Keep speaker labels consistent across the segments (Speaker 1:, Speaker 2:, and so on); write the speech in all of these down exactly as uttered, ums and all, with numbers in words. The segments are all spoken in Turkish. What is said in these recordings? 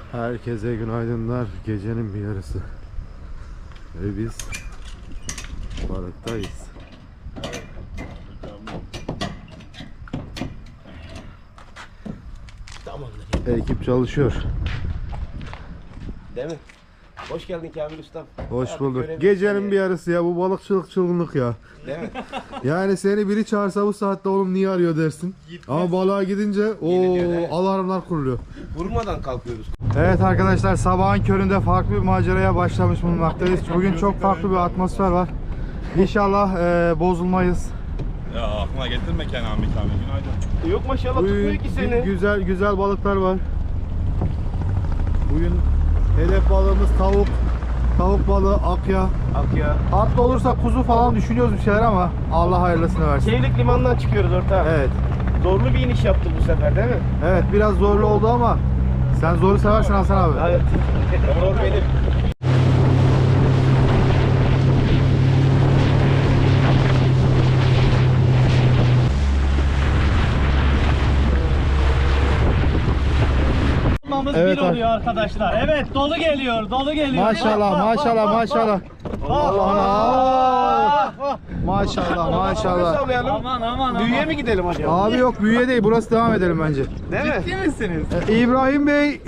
Speaker 1: Herkese günaydınlar. Gecenin bir yarısı. Ve biz balıktayız.
Speaker 2: Tamamdır.
Speaker 1: Ekip çalışıyor.
Speaker 2: Değil mi? Hoş geldin Kamil Ustam.
Speaker 1: Hoş
Speaker 2: Abi,
Speaker 1: bulduk.
Speaker 2: görev-
Speaker 1: Gecenin bir yarısı ya, bu balıkçılık çılgınlık ya.
Speaker 2: Değil mi?
Speaker 1: Yani seni biri çağırsa bu saatte oğlum niye arıyor dersin. Ama balığa gidince o
Speaker 2: evet.
Speaker 1: alarmlar kuruluyor.
Speaker 2: Vurmadan kalkıyoruz.
Speaker 1: Evet arkadaşlar, sabahın köründe farklı bir maceraya başlamış bulunmaktayız. Bugün çok farklı bir atmosfer var. İnşallah e, bozulmayız.
Speaker 3: Ya aklına getirme Kenan bir tane. Günaydın.
Speaker 2: Yok maşallah
Speaker 1: Bugün
Speaker 2: tutmuyor ki seni.
Speaker 1: gü- güzel güzel balıklar var. Bugün hedef balığımız tavuk. Tavuk balığı, akya.
Speaker 2: Ak ya.
Speaker 1: Atlı olursa kuzu falan düşünüyoruz bir şeyler ama Allah hayırlısını versin.
Speaker 2: Çeyrek limandan çıkıyoruz orta.
Speaker 1: Evet.
Speaker 2: Zorlu bir iniş yaptık bu sefer değil mi?
Speaker 1: Evet, biraz zorlu oldu ama sen zoru seversin Hasan abi.
Speaker 2: Evet. Zor benim.
Speaker 1: Evet
Speaker 4: bir oluyor arkadaşlar. Evet, dolu geliyor, dolu geliyor.
Speaker 1: Maşallah,
Speaker 4: Bak, bak,
Speaker 1: maşallah,
Speaker 4: bak,
Speaker 1: maşallah.
Speaker 4: bak.
Speaker 1: Allah. Maşallah, maşallah.
Speaker 2: Sallayalım.
Speaker 4: Aman aman aman.
Speaker 2: Büyüye mi gidelim acaba?
Speaker 1: Abi yok, büyüye değil. Burası, devam edelim bence.
Speaker 2: Değil mi?
Speaker 4: Ciddi misiniz?
Speaker 1: Ee, İbrahim Bey.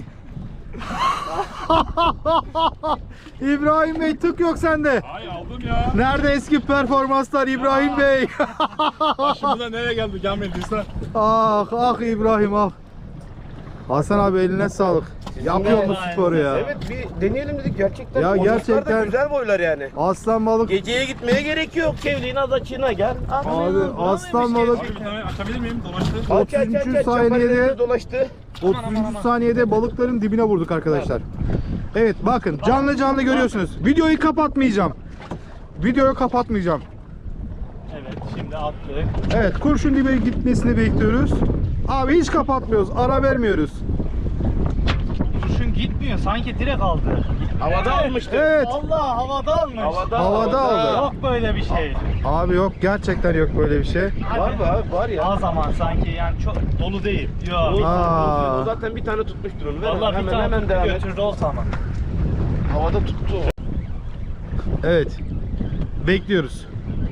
Speaker 1: İbrahim Bey, tık yok sende.
Speaker 3: Ay aldım ya.
Speaker 1: Nerede eski performanslar İbrahim Bey?
Speaker 3: Başımıza nereye geldi gelmediyse.
Speaker 1: Ah ah İbrahim ah. Hasan abi, eline sağlık. Yapıyor mu sporu ya?
Speaker 2: Evet, bir deneyelim dedik gerçekten.
Speaker 1: Ya
Speaker 2: Boyutlar da
Speaker 1: gerçekten-
Speaker 2: güzel boylar yani.
Speaker 1: Aslan balık.
Speaker 2: Geceye gitmeye gerek yok. Kevliğin az açığına gel.
Speaker 1: Abi aslan balık
Speaker 3: Abi bir tane açabilir miyim? Dolaştı.
Speaker 2: Aç, aç, aç,
Speaker 1: otuz üçüncü
Speaker 2: aç.
Speaker 1: saniyede-
Speaker 2: Çaparlarımız dolaştı.
Speaker 1: otuzuncu saniyede balıkların dibine vurduk arkadaşlar. Evet, bakın canlı canlı görüyorsunuz. Videoyu kapatmayacağım. Videoyu kapatmayacağım.
Speaker 4: Evet, şimdi attık.
Speaker 1: Evet, kurşun dibe gitmesini bekliyoruz. Abi hiç kapatmıyoruz, ara vermiyoruz.
Speaker 4: Kurşun gitmiyor, sanki direkt aldı.
Speaker 2: Havada almıştı.
Speaker 1: Evet.
Speaker 4: Allah havada almış.
Speaker 2: Havada,
Speaker 1: Havada aldı.
Speaker 4: Yok böyle bir şey.
Speaker 1: Abi yok, gerçekten yok böyle bir şey.
Speaker 2: Var mı abi? Var ya.
Speaker 4: Az zaman sanki yani çok dolu değil. Yok.
Speaker 1: Aa.
Speaker 2: O zaten bir tane tutmuştur onu. Ver,
Speaker 4: Vallahi bir
Speaker 2: hemen
Speaker 4: tane
Speaker 2: hemen
Speaker 4: tuttu,
Speaker 2: devam et.
Speaker 4: götürdü o zaman.
Speaker 2: Havada tuttu.
Speaker 1: Evet. Bekliyoruz.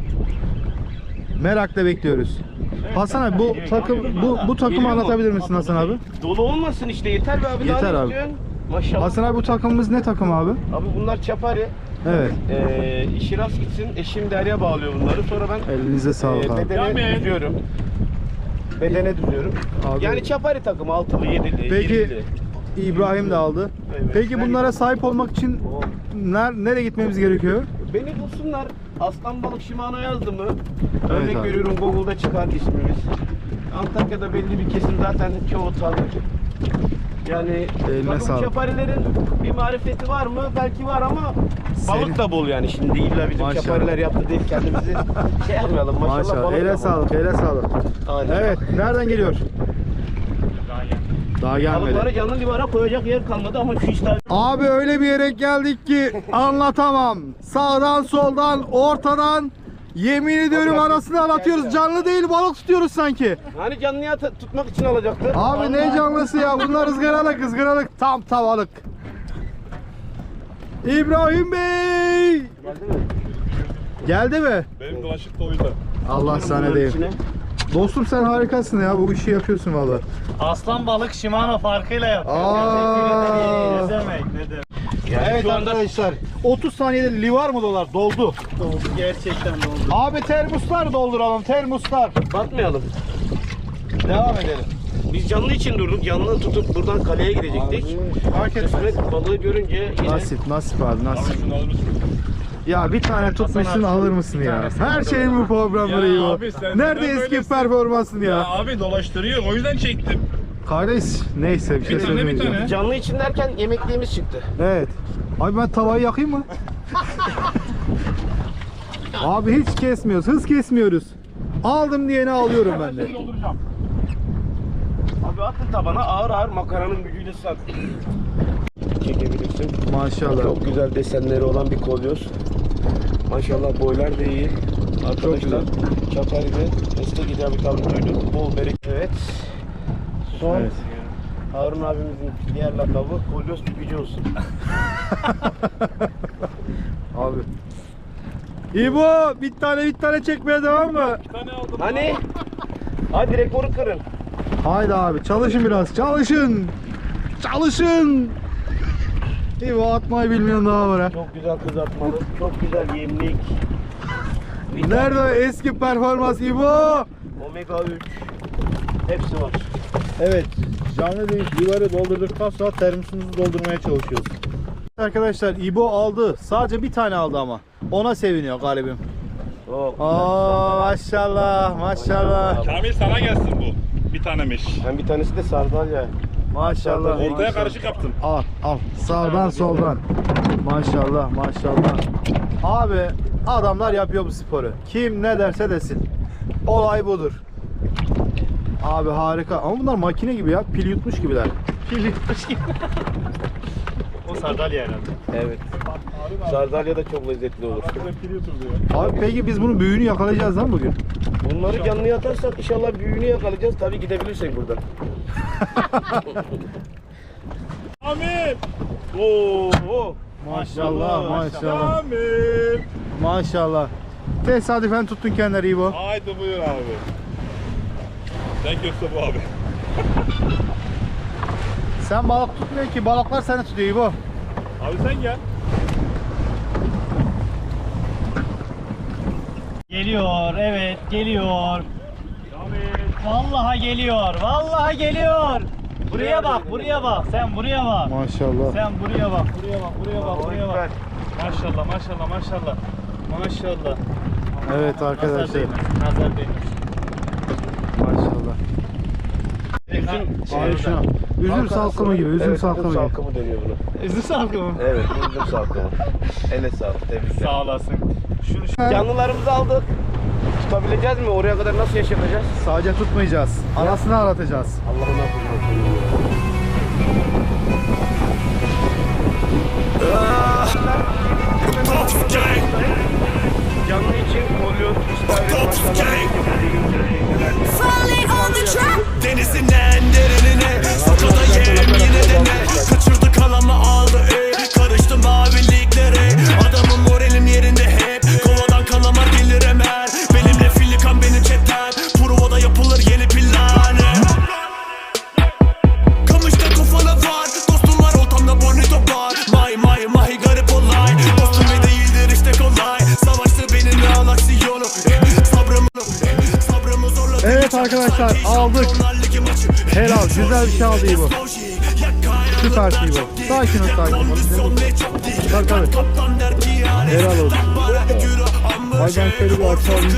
Speaker 1: Merakla bekliyoruz. Hasan abi, bu takım bu bu takımı
Speaker 2: Geliyor mu?
Speaker 1: anlatabilir misin Hasan abi?
Speaker 2: Dolu olmasın işte, yeter be abi.
Speaker 1: Yeter
Speaker 2: daha ne
Speaker 1: abi.
Speaker 2: istiyorsun? Maşallah.
Speaker 1: Hasan abi, bu takımımız ne takım abi?
Speaker 2: Abi bunlar çapari.
Speaker 1: Evet.
Speaker 2: Ee, işi rast gitsin. Eşim Derya bağlıyor bunları. Sonra ben
Speaker 1: Elinize sağlık
Speaker 2: e,
Speaker 1: abi.
Speaker 2: bedene
Speaker 3: Kamil.
Speaker 2: düzüyorum. Bedene düzüyorum.
Speaker 1: Abi-
Speaker 2: Yani çapari takımı altılı, yedili,
Speaker 1: Peki
Speaker 2: yirmili.
Speaker 1: İbrahim de aldı.
Speaker 2: Evet.
Speaker 1: Peki bunlara sahip olmak için ner nereye gitmemiz gerekiyor?
Speaker 2: Beni bulsunlar. Aslan balık Shimano yazdı mı?
Speaker 1: Evet
Speaker 2: Örnek
Speaker 1: abi.
Speaker 2: veriyorum, Google'da çıkar ismimiz. Antakya'da belli bir kesim zaten çoğu tanır. Yani
Speaker 1: Eline
Speaker 2: takım
Speaker 1: sağlık.
Speaker 2: çaparilerin bir marifeti var mı? Belki var ama
Speaker 1: Senin-
Speaker 2: balık da bol yani. Şimdi illa bizim
Speaker 1: Maşallah.
Speaker 2: çapariler yaptı deyip kendimizi şey yapmayalım. Maşallah,
Speaker 1: Maşallah.
Speaker 2: balık da
Speaker 1: Ele
Speaker 2: bol.
Speaker 1: sağlık, ele sağlık.
Speaker 2: Aynen.
Speaker 1: Evet, nereden geliyor?
Speaker 4: Daha yani.
Speaker 1: Daha gelmedi.
Speaker 2: Balıkları canlı limana koyacak yer kalmadı ama şu işler...
Speaker 1: Abi öyle bir yere geldik ki anlatamam. Sağdan, soldan, ortadan, yemin ediyorum arasını anlatıyoruz. Canlı değil, balık tutuyoruz sanki.
Speaker 2: Hani canlıya t- tutmak için alacaktı.
Speaker 1: Abi ne canlısı ya? Bunlar ızgaralık, ızgaralık. Tam tavalık. İbrahim Bey!
Speaker 2: Geldi mi?
Speaker 1: Geldi mi?
Speaker 3: Benim dolaşık da o yüzden.
Speaker 1: Allah sana
Speaker 2: Bunların
Speaker 1: diyeyim.
Speaker 2: içine.
Speaker 1: Dostum, sen harikasın ya. Bu işi yapıyorsun vallahi.
Speaker 4: Aslan balık Shimano farkıyla yapıyor.
Speaker 1: Aa.
Speaker 4: Ne demek, ne demek.
Speaker 2: Yani
Speaker 1: Evet
Speaker 2: şu anda
Speaker 1: arkadaşlar, otuz saniyede livar mı dolar? Doldu.
Speaker 4: Doldu, gerçekten doldu.
Speaker 1: Abi termoslar dolduralım, termoslar.
Speaker 2: batmayalım.
Speaker 1: Devam edelim.
Speaker 2: Biz canlı için durduk. Canlı tutup buradan kaleye gidecektik.
Speaker 1: Fark etmez.
Speaker 2: Kısmet balığı görünce yine...
Speaker 1: Nasip, nasip abi,
Speaker 3: Abi
Speaker 1: nasip.
Speaker 3: şunu alır mısın?
Speaker 1: Ya bir tane tutmuşsun, alır mısın ya? Her şeyin bu programları
Speaker 3: Ya
Speaker 1: iyi bu.
Speaker 3: abi sen
Speaker 1: Nerede
Speaker 3: neden
Speaker 1: eski
Speaker 3: böylesin?
Speaker 1: performansın
Speaker 3: Ya
Speaker 1: ya?
Speaker 3: abi dolaştırıyor o yüzden çektim.
Speaker 1: Kardeş, neyse bir şey
Speaker 3: Bir tane bir
Speaker 1: söylemeyeceğim.
Speaker 3: tane.
Speaker 2: Canlı için derken yemekliğimiz çıktı.
Speaker 1: Evet. Abi ben tavayı yakayım mı? Abi hiç kesmiyoruz, hız kesmiyoruz. Aldım diyeni alıyorum ben de.
Speaker 3: Dolduracağım.
Speaker 2: Abi atın tabana, ağır ağır makaranın gücüyle sat. Çekebilirsin.
Speaker 1: Maşallah.
Speaker 2: Çok güzel desenleri olan bir kolyoz. Maşallah boylar da iyi. Arkadaşlar Çapari'de destek icabı kalın duyduk. Bol bereket. Evet. Son
Speaker 1: Evet.
Speaker 2: Harun abimizin diğer lakabı kolyoz pipici olsun.
Speaker 1: Abi. İbo bir tane bir tane çekmeye devam mı?
Speaker 3: Bir tane aldım.
Speaker 2: Hani? Hadi rekoru kırın.
Speaker 1: Haydi abi çalışın biraz çalışın. Çalışın. İbo atmayı bilmiyorum daha var ha.
Speaker 2: Çok güzel kızartmalı, çok güzel yemlik.
Speaker 1: Nerede o eski performans İbo?
Speaker 2: Omega üç. Hepsi var.
Speaker 1: Evet, canlı değil, yuvarı doldurduktan sonra termosumuzu doldurmaya çalışıyoruz. Arkadaşlar İbo aldı. Sadece bir tane aldı ama. Ona seviniyor galibim.
Speaker 2: Çok
Speaker 1: Oo maşallah maşallah.
Speaker 3: Kamil sana gelsin bu. Bir tanemiş.
Speaker 2: Hem bir tanesi de sardalya.
Speaker 1: Maşallah.
Speaker 3: Ortaya karışık yaptım.
Speaker 1: Al al sağdan soldan. Maşallah maşallah. Abi adamlar yapıyor bu sporu. Kim ne derse desin. Olay budur. Abi harika. Ama bunlar makine gibi ya. Pil yutmuş gibiler.
Speaker 4: Pil yutmuş gibi. O sardalya herhalde.
Speaker 2: Evet. Sardalya da çok lezzetli olur.
Speaker 1: Abi peki biz bunun büyüğünü yakalayacağız lan bugün.
Speaker 2: Bunları canlıya atarsak inşallah büyüğünü yakalayacağız. Tabii gidebilirsek buradan.
Speaker 3: Kamil. Oo. oo.
Speaker 1: Maşallah maşallah.
Speaker 3: Kamil.
Speaker 1: Maşallah. Tesadüfen tuttun kendileri İbo.
Speaker 3: Haydi buyur abi. Thank you Mustafa abi.
Speaker 1: Sen balık tutmuyor ki, balıklar seni tutuyor İbo.
Speaker 3: Abi sen gel.
Speaker 4: Geliyor, evet geliyor. Vallahi geliyor, vallahi geliyor. Buraya bak, buraya bak. Sen buraya bak.
Speaker 1: Maşallah.
Speaker 4: Sen buraya bak, buraya bak, buraya bak, buraya bak. Maşallah, maşallah, maşallah. Maşallah.
Speaker 1: Evet
Speaker 4: Nazar
Speaker 1: arkadaşlar.
Speaker 4: değmez, nazar değmez.
Speaker 1: Maşallah.
Speaker 2: Üzüm,
Speaker 1: Abi şuna. Üzüm salkımı gibi, üzüm
Speaker 2: evet,
Speaker 1: salkımı
Speaker 2: üzüm
Speaker 1: gibi.
Speaker 2: salkımı deniyor buna.
Speaker 4: Üzüm salkı mı?
Speaker 2: Evet, üzüm salkımı. Ele sağlık, tebrikler.
Speaker 4: Sağ olasın. Şunu şu...
Speaker 2: Canlılarımızı aldık. Tutabileceğiz mi? Oraya kadar nasıl yaşayacağız?
Speaker 1: Sadece tutmayacağız. Anasını aratacağız.
Speaker 2: Allah'ın affını. Canlı için kolyoz, istavrit, maşallah.
Speaker 5: Falling on the track.
Speaker 6: Denizinden derinine Fotoda yem yine dene Kaçırdı kalamı aldı ey Karıştı maviliklere Adamın moralim yerinde hep Kovadan kalamar gelir hemen Benimle filikan benim chatten Provada yapılır yeni plan Kamışta kafana var Dostum var oltamda bonito var May may may garip olay Dostum ve değildir işte kolay Savaştı benimle al aksiyonu eh, Sabrımı eh, Sabrımı zorladı
Speaker 1: Evet arkadaşlar aldık. Helal güzel bir şey aldı İbo. Süper İbo. Sakin ol sakin ol. Tabii tabii. Helal olsun. Ay ben şöyle bir açalım.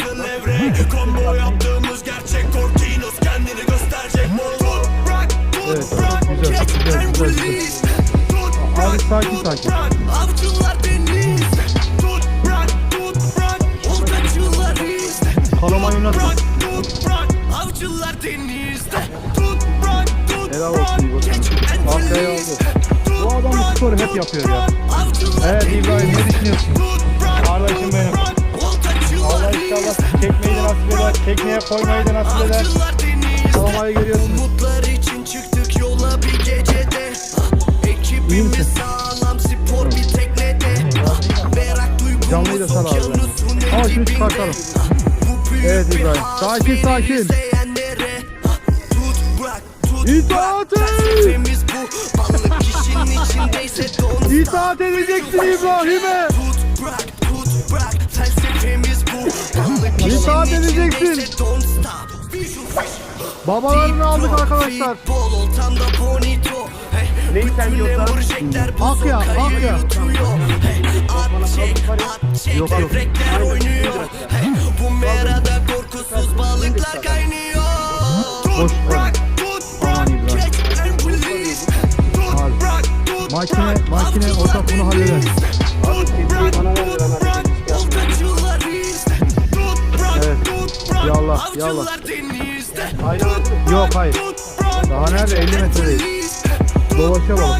Speaker 6: Combo yaptığımız gerçek Cortinos kendini gösterecek.
Speaker 1: Evet güzel güzel güzel. güzel. Abi sakin sakin.
Speaker 6: Avcılar deniz. Tut bırak tut bırak. Oltacılar izle.
Speaker 1: Kalamayı oynatma.
Speaker 6: Tut bırak. Avcılar denizde. Tut bırak tut
Speaker 1: Helal olsun İbo. Arkaya aldı. Bu adam bu sporu hep yapıyor ya. Evet İbrahim ne düşünüyorsun? Kardeşim benim. Allah inşallah çekmeyi de nasip eder. Tekneye koymayı da nasip eder. Kalamayı görüyorsun.
Speaker 6: Umutlar için çıktık yola bir gecede. Ekibimiz sağlam spor bir teknede. Merak
Speaker 1: Canlıyı da
Speaker 6: duygumuz
Speaker 1: sal abi.
Speaker 6: okyanusun
Speaker 1: Al şunu
Speaker 6: dibinde.
Speaker 1: çıkartalım.
Speaker 6: Bu büyük
Speaker 1: Evet
Speaker 6: bir
Speaker 1: İbrahim.
Speaker 6: haz
Speaker 1: Sakin,
Speaker 6: beni
Speaker 1: sakin.
Speaker 6: izleyenlere. Tut bırak tut
Speaker 1: İtaat
Speaker 6: bırak.
Speaker 1: et.
Speaker 6: Felsefemiz bu. Balık kişinin içindeyse don't
Speaker 1: İtaat edeceksin İbrahim'e.
Speaker 6: Tut bırak tut bırak. Felsefemiz bu. Balık
Speaker 1: İtaat
Speaker 6: kişinin
Speaker 1: edeceksin.
Speaker 6: içindeyse don't stop. Visual
Speaker 1: Babalarını aldık arkadaşlar.
Speaker 6: Futbol oltamda bonito. Hey,
Speaker 2: Neyi sen
Speaker 6: bütün
Speaker 2: yiyorsan?
Speaker 6: Lamborghini'ler bu
Speaker 1: Akya,
Speaker 6: sokayı
Speaker 1: akya.
Speaker 6: yutuyor. Hey, at çek, at çek,
Speaker 1: Yok, yok.
Speaker 6: devrekler oynuyor. Hey, bu merada korkusuz balıklar kaynıyor.
Speaker 1: Boş
Speaker 6: Tut
Speaker 1: ver.
Speaker 6: bırak, tut
Speaker 1: Aman
Speaker 6: bırak,
Speaker 1: İbrahim.
Speaker 6: catch and release. Tut
Speaker 1: Abi,
Speaker 6: bırak, tut
Speaker 1: makine-
Speaker 6: bırak,
Speaker 1: makine
Speaker 6: avcılar
Speaker 1: ortak bunu halleder.
Speaker 6: deniz. Tut bırak, tut bırak, oltacılar izle. Tut bırak,
Speaker 1: Evet.
Speaker 6: tut bırak,
Speaker 1: Yallah, yallah.
Speaker 6: avcılar denizde.
Speaker 1: Yok hayır. Daha nerede? elli metredeyiz. Dolaşa balık.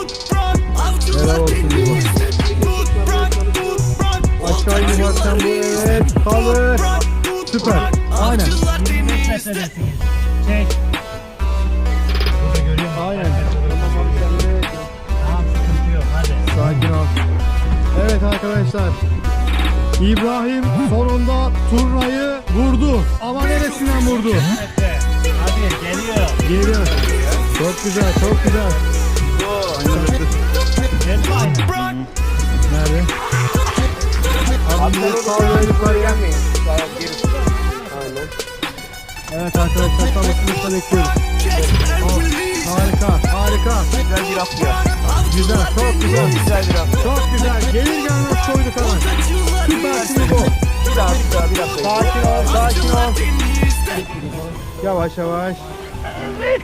Speaker 1: Helal olsun İbo. Aşağı inersen bu evet. Kalır. Süper. Aynen.
Speaker 4: yirmi beş metredesiniz. Çek. Burada görüyor musun?
Speaker 1: arkadaşlar. İbrahim sonunda turnayı vurdu. Ama neresinden vurdu?
Speaker 4: Evet. Hadi geliyor.
Speaker 1: Geliyor. Çok güzel, çok güzel.
Speaker 4: Geldi aynen.
Speaker 1: Nerede? Abi bir de sağ yukarı gelmeyin.
Speaker 2: Aynen.
Speaker 1: Evet arkadaşlar tam ısınışta bekliyoruz. Oh, harika, harika.
Speaker 2: Güzel bir hafta ya.
Speaker 1: Güzel, çok güzel.
Speaker 2: Güzel bir hafta.
Speaker 1: Çok güzel. Gelir gelmez koyduk hemen. Süpersin bu.
Speaker 2: Bir daha bir daha bir hafta.
Speaker 1: Sakin ol, sakin ol. Yavaş yavaş. Evet,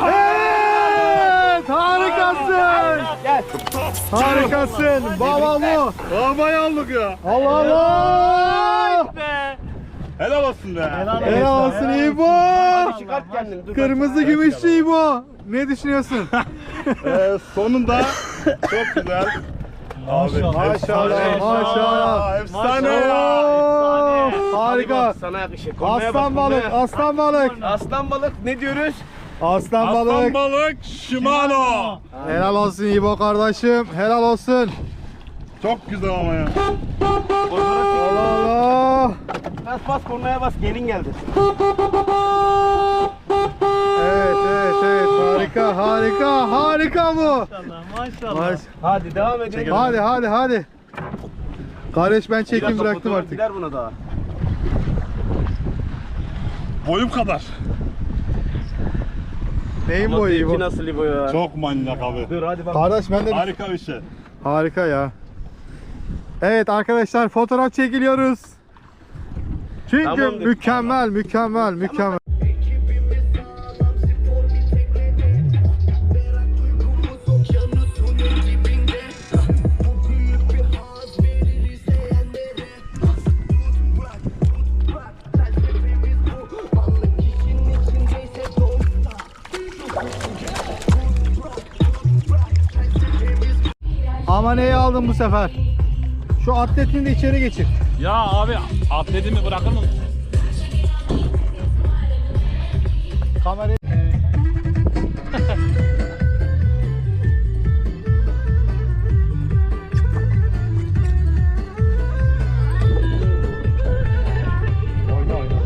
Speaker 1: harikasın.
Speaker 2: Gel.
Speaker 1: Harikasın. Baba bu.
Speaker 3: Babayı aldık ya.
Speaker 1: Allah Allah.
Speaker 4: Be.
Speaker 3: Helal olsun be.
Speaker 4: Helal
Speaker 1: Helal olsun İbo.
Speaker 2: Hadi çıkart kendini. Dur
Speaker 1: Kırmızı gümüşlü İbo. Ne düşünüyorsun?
Speaker 3: Ee, sonunda çok güzel. Abi
Speaker 4: Maşallah.
Speaker 1: Maşallah, maşallah.
Speaker 3: Efsane
Speaker 4: Maşallah.
Speaker 3: ya.
Speaker 4: Efsane.
Speaker 1: Harika.
Speaker 2: Sana yakışır. Kornaya
Speaker 1: Aslan
Speaker 2: bak,
Speaker 1: balık,
Speaker 2: kornaya.
Speaker 1: aslan balık.
Speaker 2: Aslan balık ne diyoruz?
Speaker 1: Aslan
Speaker 3: Aslan
Speaker 1: balık.
Speaker 3: balık Shimano.
Speaker 1: Helal olsun İbo kardeşim. Helal olsun.
Speaker 3: Çok güzel ama ya.
Speaker 1: Allah Allah.
Speaker 2: Bas bas kornaya bas. Gelin geldi.
Speaker 1: Evet, evet, evet. Harika, harika, harika bu.
Speaker 4: Maşallah. Maşallah.
Speaker 1: Maş-
Speaker 2: Hadi devam edelim.
Speaker 1: Hadi, hadi, hadi. Kardeş ben
Speaker 2: Bir
Speaker 1: çekim
Speaker 2: dakika,
Speaker 1: bıraktım
Speaker 2: fotoğraf
Speaker 1: artık.
Speaker 2: gider buna daha.
Speaker 3: Boyum kadar.
Speaker 1: Neyin
Speaker 2: Ama
Speaker 1: boyu
Speaker 2: zevki
Speaker 1: İbo?
Speaker 2: nasıl İbo ya?
Speaker 3: Çok manyak abi.
Speaker 2: Dur hadi bak.
Speaker 1: Kardeş ben de
Speaker 3: Harika bir şey.
Speaker 1: harika ya. Evet arkadaşlar fotoğraf çekiliyoruz. Çünkü
Speaker 2: Tamamdır.
Speaker 1: mükemmel, mükemmel, mükemmel. Ama neyi aldın bu sefer? Şu atletini de içeri geçir.
Speaker 3: Ya abi atletimi bırakır mısın?
Speaker 1: Kamerayı... Oyna oyna.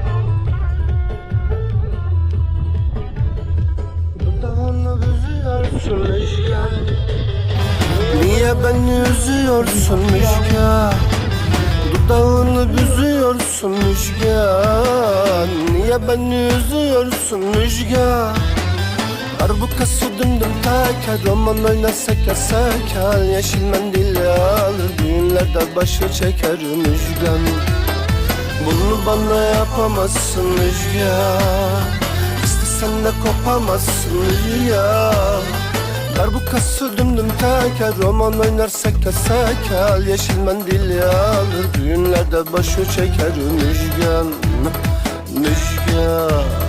Speaker 6: Dudağını büzüyorsun rüzgar. Niye beni üzüyorsun rüzgar? Dudağını büzüyorsun rüzgar. Niye beni üzüyorsun rüzgar? Darbukası dümdüm teker. Roman oynasak yasak hal. Yeşil mendil alır. Düğünlerde başı çeker müjgan. Bunu bana yapamazsın rüzgar. İstesen de kopamazsın rüzgar. Darbukası dümdüm teker. Roman oynarsak yasak hal. Yeşil mendil alır. Düğünlerde başı çeker müjgan. Müjgan.